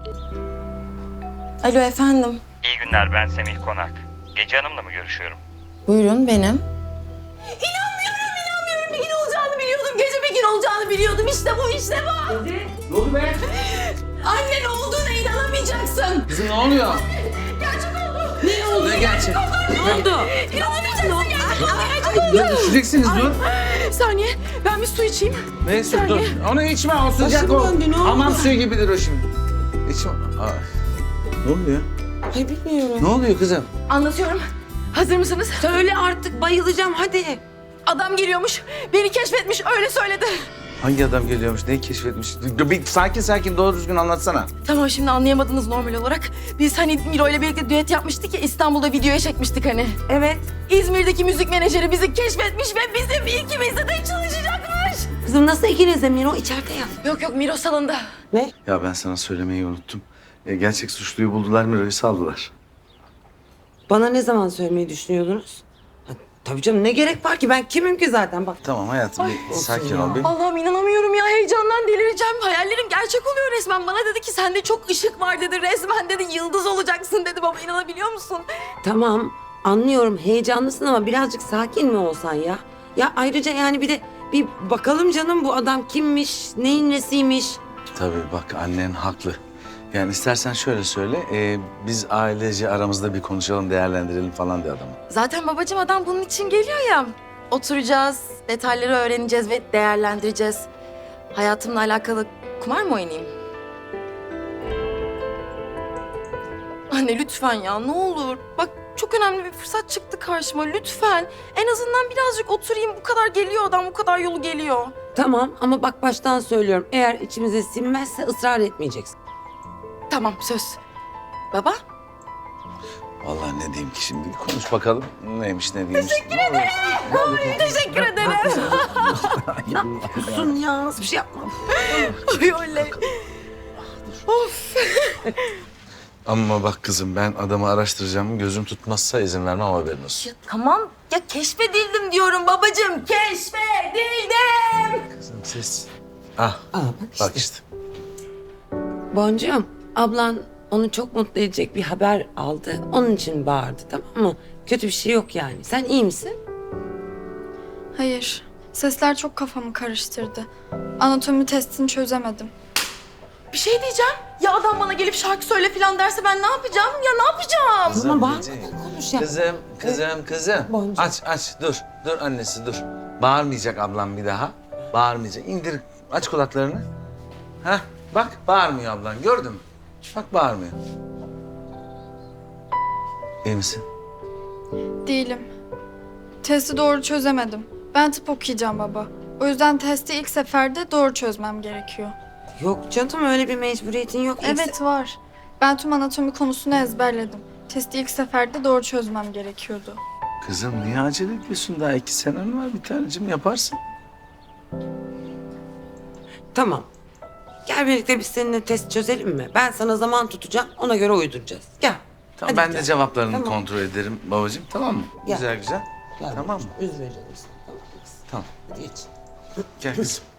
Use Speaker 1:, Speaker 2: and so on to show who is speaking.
Speaker 1: Alo efendim.
Speaker 2: İyi günler, ben Semih Konak. Gece Hanım'la mı görüşüyorum?
Speaker 1: Buyurun benim.
Speaker 3: İnanmıyorum. Bir gün olacağını biliyordum. Gece bir gün olacağını biliyordum. İşte bu.
Speaker 4: Ne oldu be?
Speaker 3: Annen olduğuna inanamayacaksın.
Speaker 4: Kızım ne oluyor?
Speaker 3: Gerçek oldu.
Speaker 4: Ne oldu? Ne gerçek? Ne oldu?
Speaker 3: İnanamayacaksın
Speaker 4: Dur düşeceksiniz dur.
Speaker 3: Saniye. Ben bir su içeyim.
Speaker 4: Neyse dur. Onu içme o sıcak
Speaker 3: Başım
Speaker 4: o.
Speaker 3: döndü, ne oldu?
Speaker 4: Hamam suyu gibidir o şimdi. İçme. Ay. Ne oluyor?
Speaker 1: Ay bilmiyorum.
Speaker 4: Ne oluyor kızım?
Speaker 3: Anlatıyorum. Hazır mısınız?
Speaker 1: Söyle artık bayılacağım hadi.
Speaker 3: Adam geliyormuş. Beni keşfetmiş. Öyle söyledi.
Speaker 4: Hangi adam geliyormuş? Neyi keşfetmiş? Bir sakin doğru düzgün anlatsana.
Speaker 3: Tamam şimdi anlayamadınız normal olarak. Biz hani Miro ile birlikte düet yapmıştık ya, İstanbul'da videoya çekmiştik hani.
Speaker 1: Evet.
Speaker 3: İzmir'deki müzik menajeri bizi keşfetmiş ve bizim ikimizde de çalışacakmış.
Speaker 1: Kızım nasıl ikiniz de Miro içeride ya?
Speaker 3: Yok Miro salonda.
Speaker 1: Ne?
Speaker 4: Ya ben sana söylemeyi unuttum. Gerçek suçluyu buldular, Miro'yu saldılar.
Speaker 1: Bana ne zaman söylemeyi düşünüyordunuz? Ha, tabii canım ne gerek var ki ben kimim ki zaten bak.
Speaker 4: Tamam hayatım, bir sakin ol. Bir.
Speaker 3: Allah'ım inanamıyorum ya, heyecandan delireceğim. Hayallerim gerçek oluyor resmen. Bana dedi ki sende çok ışık var dedi. Resmen dedi yıldız olacaksın dedi baba, inanabiliyor musun?
Speaker 1: Tamam anlıyorum heyecanlısın ama birazcık sakin mi olsan ya? Ya ayrıca yani bir de bir bakalım canım bu adam kimmiş, neyin nesiymiş?
Speaker 4: Tabii bak annen haklı. Yani istersen şöyle söyle, biz ailece aramızda bir konuşalım, değerlendirelim falan de adamı.
Speaker 3: Zaten babacığım adam bunun için geliyor ya. Oturacağız, detayları öğreneceğiz ve değerlendireceğiz. Hayatımla alakalı kumar mı oynayayım? Anne lütfen ya, ne olur. Bak çok önemli bir fırsat çıktı karşıma, lütfen. En azından birazcık oturayım. Bu kadar geliyor adam, bu kadar yolu geliyor.
Speaker 1: Tamam ama bak baştan söylüyorum eğer içimize sinmezse ısrar etmeyeceksin.
Speaker 3: Tamam söz. Baba?
Speaker 4: Vallahi ne diyeyim ki şimdi, konuş bakalım neymiş ne değilmiş.
Speaker 3: Teşekkür ederim.
Speaker 1: Sus ya nasıl bir şey yapma.
Speaker 3: Ay oley. Of.
Speaker 4: Ama bak kızım ben adamı araştıracağım, gözüm tutmazsa izin vermem, haberin olsun.
Speaker 3: Ya tamam ya, keşfedildim diyorum babacığım. Keşfedildim.
Speaker 4: Kızım ses. Ah
Speaker 1: Aa,
Speaker 4: bak işte.
Speaker 1: Boncuğum ablan onu çok mutlu edecek bir haber aldı. Onun için bağırdı tamam mı? Kötü bir şey yok yani. Sen iyi misin?
Speaker 5: Hayır. Sesler çok kafamı karıştırdı. Anatomi testini çözemedim.
Speaker 3: Bir şey diyeceğim. Ya adam bana gelip şarkı söyle falan derse ben ne yapacağım? Ya ne yapacağım?
Speaker 1: Tamam bağırma
Speaker 4: Gece.
Speaker 1: konuş ya.
Speaker 4: Kızım.
Speaker 1: Boncuk.
Speaker 4: Aç dur annesi dur. Bağırmayacak ablam bir daha. Bağırmayacak. İndir, aç kulaklarını. Hah bak bağırmıyor ablan, gördün mü? Bak bağırmıyor. İyi misin?
Speaker 5: Değilim. Testi doğru çözemedim. Ben tıp okuyacağım baba. O yüzden testi ilk seferde doğru çözmem gerekiyor.
Speaker 1: Yok canım öyle bir mecburiyetin yok.
Speaker 5: Evet var. Ben tüm anatomi konusunu ezberledim. Testi ilk seferde doğru çözmem gerekiyordu.
Speaker 4: Kızım niye acele ediyorsun? Daha 2 senen var, bir tanecim yaparsın.
Speaker 1: Tamam. Gel birlikte biz seninle test çözelim mi? Ben sana zaman tutacağım ona göre uyduracağız. Gel.
Speaker 4: Tamam
Speaker 1: Hadi
Speaker 4: ben
Speaker 1: gel.
Speaker 4: de cevaplarını
Speaker 1: Tamam.
Speaker 4: kontrol ederim babacığım, tamam mı?
Speaker 1: Gel.
Speaker 4: Güzel.
Speaker 1: Gel
Speaker 4: Tamam mı?
Speaker 1: Üzme canım sen. Tamam.
Speaker 4: Tamam.
Speaker 1: Hadi geç.
Speaker 4: Gel kızım.